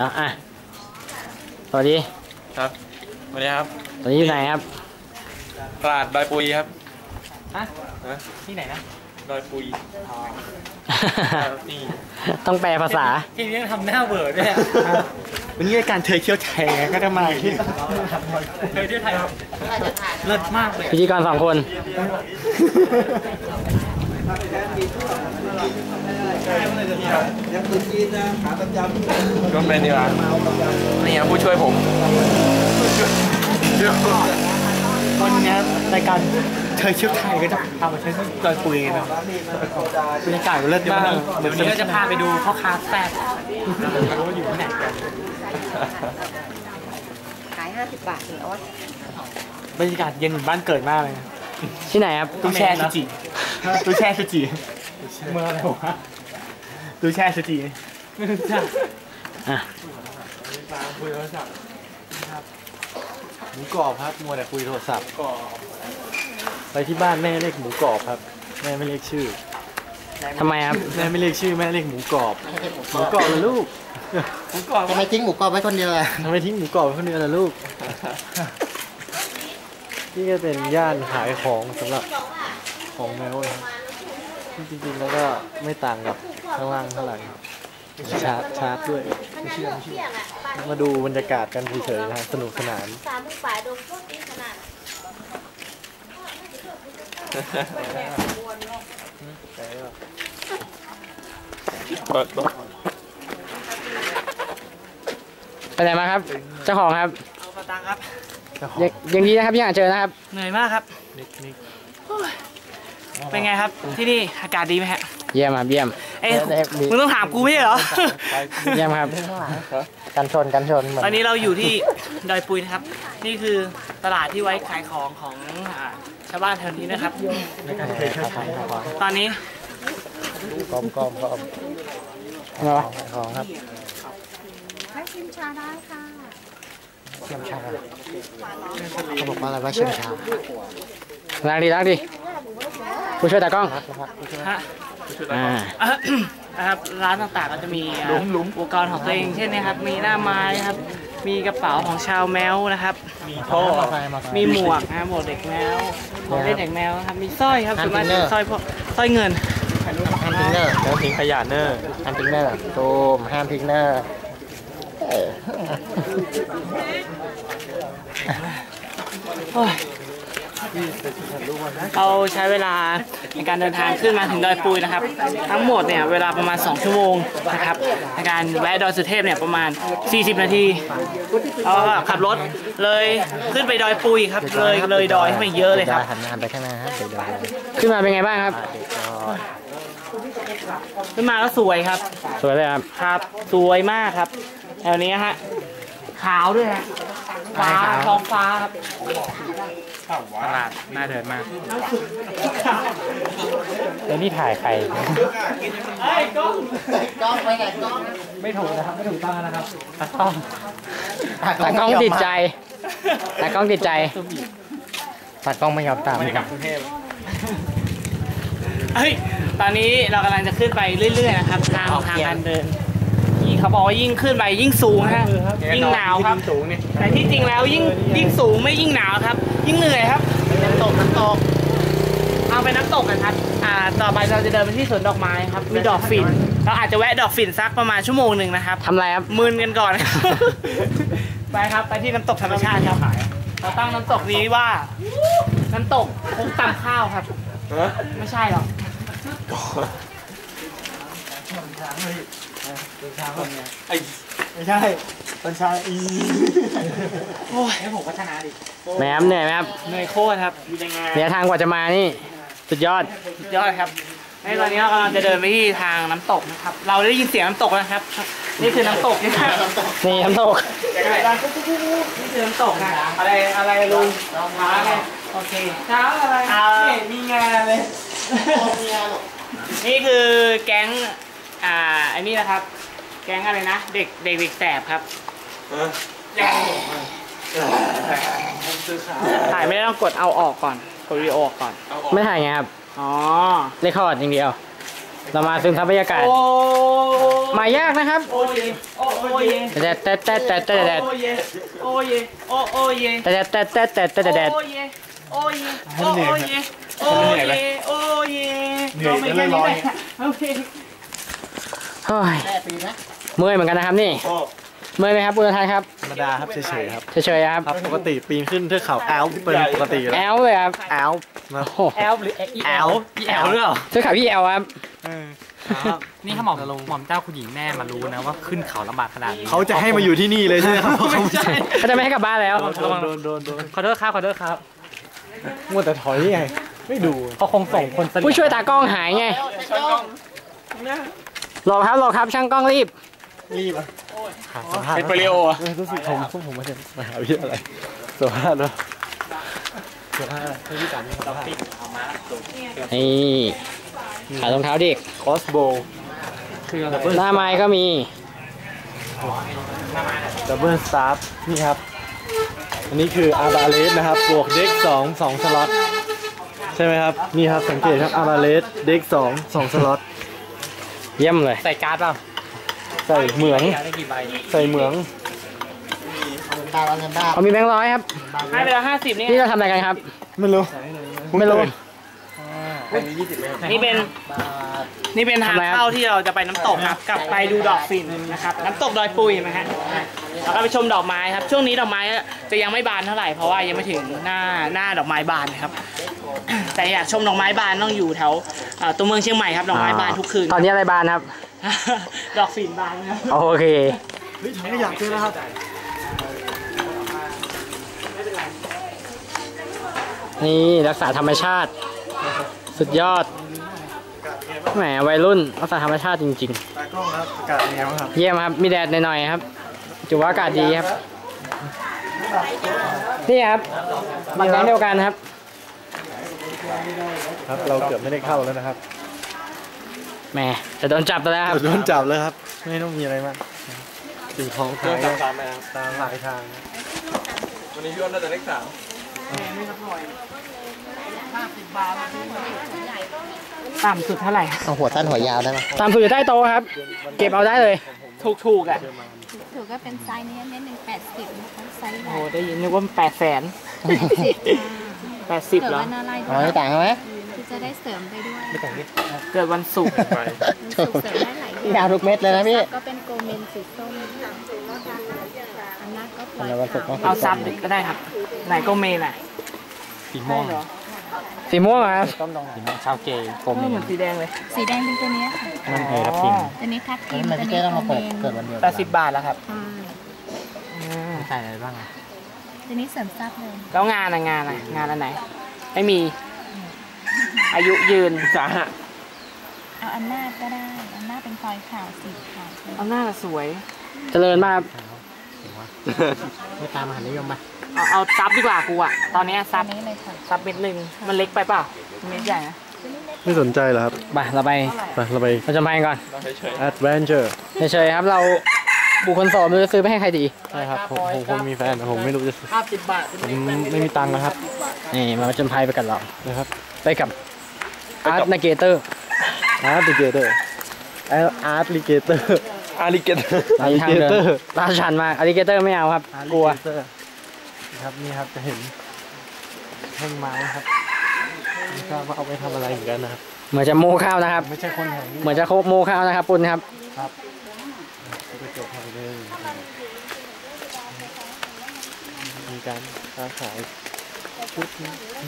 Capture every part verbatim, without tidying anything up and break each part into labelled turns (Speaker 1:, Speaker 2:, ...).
Speaker 1: อ่ะอ่ะสวัสดี
Speaker 2: ครับสวัสดีครับ
Speaker 1: ตอนนี้อยู่ไหนครับ
Speaker 2: ตลาดดอยปุยครับ
Speaker 1: ฮะที่ไหนนะ
Speaker 2: ดอยปุยนี่
Speaker 1: ต้องแปลภาษา
Speaker 3: ที่นี่ทำหน้าเบิร์ดด้วยวันนี้รายการเธอเที่ยวไทยก็จะมาที่เธอเที่ยวไทยเลิศมากเลย
Speaker 1: พิธีกรสองคน
Speaker 2: ยังตุนจีนนะขาประจำก็เป็นดีกว่านี่ครับผู้ช่วยผม
Speaker 3: วันนี้รายการเธอเที่ยวไทยก็จะพามาใช้ที่ดอยปุยนะบรรยากาศเลิศมากเดี๋ยววันนี้ก็จะพาไปดูพ่อค้าแซ่บรู้ว่าอยู่ที่ไหนกัน
Speaker 4: ขายห้าสิบบาทถึงออส
Speaker 3: บรรยากาศเย็นเหมือนบ้านเกิดมากเลย
Speaker 1: ที่ไหนครับ
Speaker 3: ตู้แช่ชูจิตู้แช่ชูจิเมื่ออะไรวะตู้แช่ชูจิไม่รู้จัก
Speaker 1: อ่ะ
Speaker 3: คุยโทรศัพท์ครับหมูกรอบครับมัวแต่คุยโทรศัพท์ไปที่บ้านแม่เรียกหมูกรอบครับแม่ไม่เรียกชื่อ
Speaker 1: ทำไมครับ
Speaker 3: แม่ไม่เรียกชื่อแม่เรียกหมูกรอบหมูกรอบเลยลูก
Speaker 4: หมูกรอบทำไมทิ้งหมูกรอบไว้คนเดียวล่ะ
Speaker 3: ทำไมทิ้งหมูกรอบไว้คนเดียวล่ะลูกนี่ก็เป็นย่านขายของสำหรับของแมวนะจริงๆแล้วก็ไม่ต่างกับข้างล่างเท่าไหร่ชาร์จชาร์จด้วยไม่เชื่อไม่เชื่อมาดูบรรยากาศกันเฉยๆนะสนุกสนาน
Speaker 4: สามมือฝ่ายดมพวกนี้ขนาด
Speaker 2: เปิดตัว
Speaker 1: ไปไหนมาครับเจ้าของครับ
Speaker 3: เอาปตังครับ
Speaker 1: ยังดีนะครับยังอาจเจอนะครับ
Speaker 3: เหนื่อยมากครับเป็นไงครับที่นี่อากาศดีไหมฮะ
Speaker 1: เยี่ยมครับเยี่ยม
Speaker 3: เอ้ยมึงต้องถามกูไม่ใช่เหรอ
Speaker 1: เยี่ยมครับกันชนกันชน
Speaker 3: ตอนนี้เราอยู่ที่ดอยปุยนะครับนี่คือตลาดที่ไว้ขายของของชาวบ้านแถวนี้นะครับตอนนี้
Speaker 1: กอมกอมกอมอะไรวะของครับ
Speaker 4: ให้ชิมชาได้ค่ะ
Speaker 1: ชิมชา
Speaker 4: เขาบอกว่าอะไรว่าชิมชา
Speaker 1: ล้างดีล้างดีผู้ช่วยตากล้อง
Speaker 3: อ่านะครับร้านต่างๆก็จะมีอุปกรณ์ของตัวเองเช่นนะครับมีหน้าไม้ครับมีกระเป๋าของชาวแมวนะครับมีท่อมีหมวกนะหมวกเด็กแมวหมวกเล่นเด็กแมวครับมีสร้อยครับส่วนมากจะสร้อยพวกสร้อยเงิน
Speaker 1: ห้ามทิ้งเนอร์
Speaker 2: แล้วทิ้งขยะเนอร์
Speaker 1: ห้ามทิ้งเนอร์ตูมห้ามทิ้งเนอร์
Speaker 3: เราใช้เวลาในการเดินทางขึ้นมาถึงดอยปุยนะครับทั้งหมดเนี่ยเวลาประมาณสองชั่วโมงนะครับในการแวะดอยสุเทพเนี่ยประมาณสี่สิบนาทีเราก็ขับรถเลยขึ้นไปดอยปุยครับเลยเลยดอยขึ้นไปเยอะเลยครับ
Speaker 1: หันมาไปข้างหน้าครับขึ้นมาเป็นไงบ้างครับ
Speaker 3: ขึ้นมาแล้วสวยครับ
Speaker 1: สวยเลยครับ
Speaker 3: ครับสวยมากครับแถวนี้ฮะขาวด้วยฮะฟ้าท้องฟ้าครับ
Speaker 2: ตลาดน่าเดินมาก
Speaker 1: แล้วนี่ถ่ายใคร
Speaker 3: เฮ้ยกล้อง
Speaker 4: กล้องไปไหนกล้อง
Speaker 3: ไม่ถูกนะครับไม่ถูกต้องนะครับตากล้อง
Speaker 1: ตากล้องติดใจตากล้องติดใจตากล้องไม่ยอมตาม
Speaker 2: ไม่กลับกรุงเทพ
Speaker 3: เฮ้ยตอนนี้เรากำลังจะขึ้นไปเรื่อยๆนะครับทางทางการเดินที่เขาบอกว่ายิ่งขึ้นไปยิ่งสูงฮะยิ่งหนาวครับแต่ที่จริงแล้วยิ่งยิ่งสูงไม่ยิ่งหนาวครับยิ่งเหนื่อยครับ
Speaker 4: น้ำตกน้ำตก
Speaker 3: เอาไปน้ำตกกันครับอ่าต่อไปเราจะเดินไปที่สวนดอกไม้ครับมีดอกฝิ่นเราอาจจะแวะดอกฝิ่นสักประมาณชั่วโมงหนึ่งนะครับ
Speaker 1: ทำไรครับ
Speaker 3: มึนกันก่อนไปครับไปที่น้ำตกธรรมชาติครับเราตั้งน้ำตกนี้ว่าน้ำตกคุกตำข้าวครับไม่ใช่หรอก
Speaker 2: ไอ้
Speaker 3: ไม่ใช่ต้นชาอีโอ้ยให้ผมพัฒนาดิ
Speaker 1: แหมเหนื่อยไหมครับ
Speaker 3: เหนื่อยโคตรครับ
Speaker 1: เดี๋ยวทางกว่าจะมานี่สุดยอด
Speaker 3: สุดยอดครับในตอนนี้เรากำลังจะเดินไปที่ทางน้ำตกนะครับเราได้ยินเสียงน้ำตกนะครับนี่คือน้ำตกนี่
Speaker 1: นี่น้ำตก
Speaker 3: นี่คือน้ำตกนะอะไรอะไรลุงช้าไงโอเคช้าอะไรมีงานเลยนี่คือแก๊งอ่าไอ้นี่นะครับแก๊งอะไรนะเด็กเด็กเด็กแสบครับถ่ายไม่ได้ต้องกดเอาออกก่อนกดวิดีโอออกก่อน
Speaker 1: ไม่ถ่ายไงครับ
Speaker 3: อ๋อ
Speaker 1: เรคคอร์ดอย่างเดียวเรามาซึมซับบรรยากาศ
Speaker 3: โอ้
Speaker 1: มายากนะครับ
Speaker 3: โอ้เยโอ้โอ้เย
Speaker 1: แต่แต่แต่แต่แต่แต่
Speaker 3: โอ้เยโอ้เยโอ้โอ้เย
Speaker 1: แต่แต่แต่แต่แต่แต่
Speaker 3: โอ้เยโอ้เยโอ้เยโอ้เยโอ้เยเราไม่แค่นี้เลยโอเค
Speaker 1: เฮ้ย
Speaker 4: แม่ปีนะ
Speaker 1: เมื่อยเหมือนกันนะครับนี่เมื่อยไหมครับคุณทานครับ
Speaker 5: ธรรมดาครับเฉยๆครับ
Speaker 1: เฉยๆครับ
Speaker 5: ครับปกติปีนขึ้นเทือกเขาแอลป์เป็นปกติอยู่
Speaker 1: แอ
Speaker 5: แล้ว
Speaker 1: ลเลยครับ
Speaker 5: แอลป์นะ
Speaker 1: โอ้
Speaker 3: แอลหรืออีแอลอีแอลหรือเปล่า
Speaker 1: ซื้อขายพี่แอลครับ
Speaker 6: นี่ถ้าหม่อมหม่อมเจ้าคุณหญิงแม่มารู้นะว่าขึ้นเขาลำบากขนาดนี้
Speaker 5: เขาจะให้มาอยู่ที่นี่เลยใช่ไหมครับเพราะเขา
Speaker 6: ไม่ใช่
Speaker 1: เขาจะไม่ให้กลับบ้านแล้ว
Speaker 5: โดนโดนโดนโดน
Speaker 6: ขอโทษครับขอโทษครับ
Speaker 5: มัวแต่ถอยไงไม่ดู
Speaker 6: เขาคงส่งคนสนิท
Speaker 1: ผู้ช่วยตากล้องหายไงรอครับรอครับช่างกล้องรีบ
Speaker 5: รีบอ่ะสัมภาษณ์
Speaker 2: เป็นโปลิโออะ
Speaker 5: เออรู้สึกผมพวกผมมาจากมหาวิทยาลัยสัมภาษณ์ด้วยสัมภาษณ์อะไรให้พี่จันสัมภาษณ์
Speaker 1: นี่ขายรองเท้าเด็ก
Speaker 5: คอสโบคือดับเบิล
Speaker 1: หน้าไม้ก็มี
Speaker 5: ดับเบิลสตาร์นี่ครับอันนี้คืออาบาเลสนะครับบวกเด็กสองสองสล็อตใช่ไหมครับนี่ครับสังเกตครับอาบาเลสเด็กสองสองสล็อต
Speaker 1: เยี่ยมเลย
Speaker 6: ใส่การ์ดเปล่า
Speaker 5: ใส่เหมือง
Speaker 6: การ์ดได้กี่ใบ
Speaker 5: ใส่เหมือง
Speaker 4: ตาเราเงินบ้า
Speaker 1: เขามีแบงค์ร้อยครับ
Speaker 3: ให้ไปแล้วห้าสิบนี่
Speaker 1: นี่เราทำอะไรกันครับ
Speaker 5: ไม่รู้
Speaker 1: ไม่รู้
Speaker 3: นี่เป็นนี่เป็นทาง
Speaker 1: ทำไมครับ
Speaker 3: เข้าที่เราจะไปน้ำตกครับกลับไปดูดอกฝิ่นนะครับน้ำตกดอยปุยไหมฮะแล้วก็ไปชมดอกไม้ครับช่วงนี้ดอกไม้จะยังไม่บานเท่าไหร่เพราะว่ายังไม่ถึงหน้าหน้าดอกไม้บานนะครับ แต่อยากชมดอกไม้บานต้องอยู่แถวเอ่อตัวเมืองเชียงใหม่ครับดอกไม้บานทุกคืน
Speaker 1: ตอนนี้อะไรบานครับ
Speaker 3: ดอกฝิ่นบานครับ
Speaker 1: โอเค
Speaker 5: เฮ้ยถังขยะเจอแล้วครับ
Speaker 1: นี่รักษาธรรมชาติ สุดยอด แหมวัยรุ่นรักษาธรรมชาติจริง
Speaker 5: ตากล้องครับอากาศเป็นไงบ้างครับ
Speaker 1: ๆ เยี่ยมครับ มีแดดหน่อยๆครับถือว่าอากาศดีครับ นี่ครับบัตรแบงค์เดียวกันครับ
Speaker 5: ครับเราเกือบไม่ได้เข้าแล้วนะครับ
Speaker 1: แหมจะโดนจับไปแล้วครับ
Speaker 5: โดนจับแล้วครับไม่ต้องมีอะไรมากสิ่งของขาย
Speaker 2: ตามไปครับ
Speaker 5: ตามหลายทาง
Speaker 2: วันนี้พี่อ้นน่าจะเลขสาม
Speaker 3: ต่ำสุดเท่าไหร่
Speaker 4: เอาหัวสั้นหัวยาวได้ไหม
Speaker 1: ตามสื่อใต้โต๊ะครับ เก็บเอาได้เลย
Speaker 3: ถูกถูกๆอ่ะ
Speaker 7: ถือก็เป็นไซส์นี้เน้นหนึ่งแปดสิบนะคะไซส์ให
Speaker 3: โอ้
Speaker 7: ญ่
Speaker 3: ได้ยินนึกว่าแปดแสนแปดสิบ
Speaker 7: เกิด
Speaker 3: เหรอ
Speaker 7: วันอะไร
Speaker 4: อ๋อไม่ต่างกันไหม
Speaker 7: คือจะได้เสริมไปด้วย
Speaker 3: เกิดวันศุกร์
Speaker 7: มันสุกเสริมได้หลาย
Speaker 4: พี่ยาวทุกเม็ดเลยนะพี่
Speaker 7: ก็เป็นโกเมนสีส้มอันนั้นก็ปล่อย
Speaker 4: อันนั้นวันศุกร์
Speaker 7: ขาว
Speaker 3: เอาซับก็ได้ครับ ไหนก็เมนอ่ะ
Speaker 6: สีม่วง
Speaker 3: ใช่เหรอ
Speaker 1: สีม่วงเหรอครับ
Speaker 6: สีม่วงชาวเกย์โก
Speaker 3: เอ
Speaker 6: เม
Speaker 3: อเหมือนสีแดงเลย
Speaker 7: สีแดงเป็นตัวเนี้ยค่ะ
Speaker 6: นั่นเองรับพิมพ์
Speaker 7: ตัวนี้ทับทิม
Speaker 4: มัน
Speaker 7: ตัว
Speaker 4: พี่
Speaker 7: นี้
Speaker 4: เจ้ต้องมา
Speaker 7: โก
Speaker 4: เปิด
Speaker 7: เมน
Speaker 4: เกิดวันเดียว
Speaker 3: แปดสิบบาทแล้วครับ
Speaker 7: ใช่
Speaker 6: ใส่อะไรบ้างอะ
Speaker 7: ตัวนี้เสริมซับเลย
Speaker 3: แล้วงานอะงานอะงานอันไหน ไม่มี อายุยืนสาหะ
Speaker 7: เอาอันหน้าก็ได้อันหน้าเป็นฟอยล์ขาวสีขาว
Speaker 3: เอาหน้าสวย
Speaker 1: เจริญมากครับ
Speaker 6: ไม่ตามมหานิยมปะ
Speaker 3: เอาเอาซับดีกว่ากูอะตอนนี้
Speaker 7: ตั
Speaker 3: ซั
Speaker 7: ว
Speaker 3: บ
Speaker 7: นี้เลยค่ะ
Speaker 3: ซับเม็ดหนึ่งมันเล็กไปเปล่าเม็ดใหญ่นะ
Speaker 5: ไม่สนใจเหรอครับ
Speaker 1: ไปเราไป
Speaker 5: ไปเราไป
Speaker 1: เราจะไปก่อน
Speaker 5: adventure
Speaker 1: เฉยๆครับเราบุคคลโสดไม่รู้จะซื้อไปให้ใครดี
Speaker 5: ใช่ครับผมผมผมมีแฟนแต่ผมไม่รู้จะ
Speaker 3: ห้าสิบบาท
Speaker 5: ผมไม่มีตังค์นะครับ
Speaker 1: นี่มาผจญภัยไปกับเรา
Speaker 5: นะครับ
Speaker 1: ไปกับอาร์ตนาเกเตอร์
Speaker 5: art ligator art ligator
Speaker 2: อาริเกต
Speaker 1: ทางเดิน
Speaker 5: alligator
Speaker 1: ลาดชันมากอาริเกเตอร์ไม่เอาครับ กลัว
Speaker 5: alligator ครับนี่ครับจะเห็นแท่งไม้ครับไม่ทราบว่าเอาไปทำอะไรเหมือนกันนะครับ
Speaker 1: เหมือนจะโมข้าวนะครับ
Speaker 5: ไม่ใช่คนแถวนี้
Speaker 1: เหมือนจะโมข้าวนะครับปุณครับ
Speaker 5: ไปจบทำเลยมีการค้าขายชุดนี้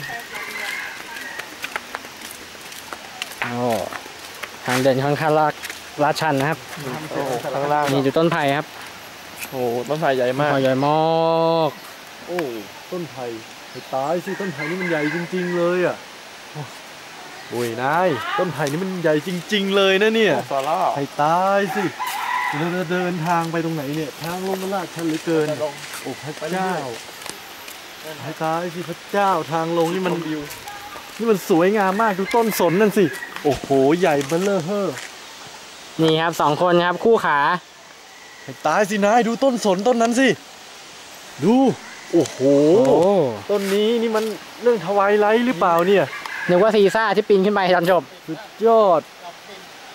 Speaker 1: โอ้ทางเดินค่อนข้างลาดลาดชันนะครับ
Speaker 5: โอ้โหข้างล่าง
Speaker 1: มีอยู่ต้นไผ่ครับ
Speaker 5: โอ้โหต้นไผ่ใหญ่มาก
Speaker 1: ใหญ่มาก
Speaker 5: โอ้ต้นไผ่ไผ่ตายสิต้นไผ่นี่มันใหญ่จริง ๆ เลยอ่ะโอ้ยนายต้นไผ่นี่มันใหญ่จริง ๆ เลยนะเนี่ย
Speaker 2: ซาร่า
Speaker 5: ไผ่ตายสิเราจะเดินทางไปตรงไหนเนี่ยทางลงมันลาดชันเหลือเกินโอ้พระเจ้าไผ่ตายสิพระเจ้าทางลงนี่มันนี่มันสวยงามมากดูต้นสนนั่นสิโอ้โหใหญ่เบ้อเร่อเฮ่อ
Speaker 1: นี่ครับสองคนครับคู่ขา
Speaker 5: ไผ่ตายสินายดูต้นสนต้นนั้นสิดูโอ้โห
Speaker 1: โอ้
Speaker 5: ต้นนี้นี่มันเรื่องทวายไลท์หรือเปล่าเนี่ย
Speaker 1: นึกว่าซีซ่าที่ปีนขึ้นไปตอนจบ
Speaker 5: สุดยอด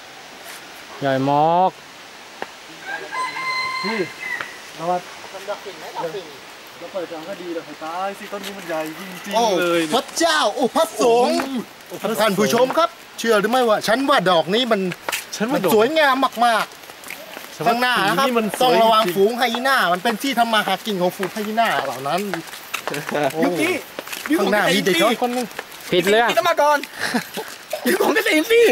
Speaker 1: ใหญ่มาก
Speaker 5: พี่นวัด
Speaker 4: มันดอกสิ่งไหมดอกสิ่ง
Speaker 5: เราเปิดจังก็ดีเลยตายสิต้นนี้มันใหญ่จริง
Speaker 8: โอ้
Speaker 5: ๆเลย
Speaker 8: พระเจ้าโอ้พระสงฆ์ท่านผู้ชมครับ เชื่อหรือไม่ว่า ฉันว่าดอกนี้มัน
Speaker 5: ฉัน
Speaker 8: มั
Speaker 5: ว่าน ดอก
Speaker 8: สวยงามมาก
Speaker 5: ฉัน
Speaker 8: ๆ
Speaker 5: ว่
Speaker 8: ข้างหน้านะครับ
Speaker 5: สีมันส
Speaker 8: ต้อง
Speaker 5: วย
Speaker 8: ระวัง
Speaker 5: จริง
Speaker 8: ฝูงไฮยีน่ามันเป็นที่ทำมาหากินของฝูงไฮยีน่าเหล่านั้นโอ้ข้างหน้ามีเด็กน้อยคนหนึง
Speaker 1: ผิดเรื่อง
Speaker 2: ต้องมาก่อนอยู่ของเกษตรสิ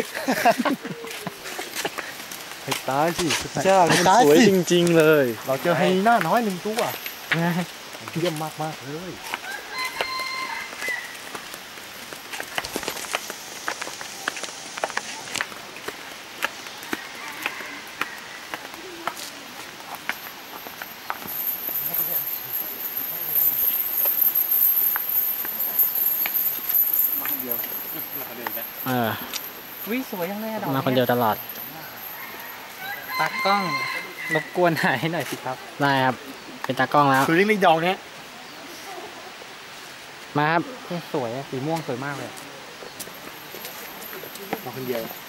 Speaker 5: ให้ตายสิพระเจ้านี่มันสวยจริงๆเลย
Speaker 8: เราเจอไฮยีน่าน้อยหนึ่งตัวเยี่ยมมากๆเลย
Speaker 1: เออ
Speaker 6: วิสวยยังเลยอะดอก
Speaker 1: มาคนเดียวตลอด
Speaker 6: ตากล้องรบกวนถ่ายให้หน่อยสิครับ
Speaker 1: ได้ครับ เป็นตากล้องแล้ว
Speaker 8: คือเล็กๆดอกเนี้ย
Speaker 1: มาครับ
Speaker 6: สวยอะสีม่วงสวยมากเลย
Speaker 8: มาคนเดียว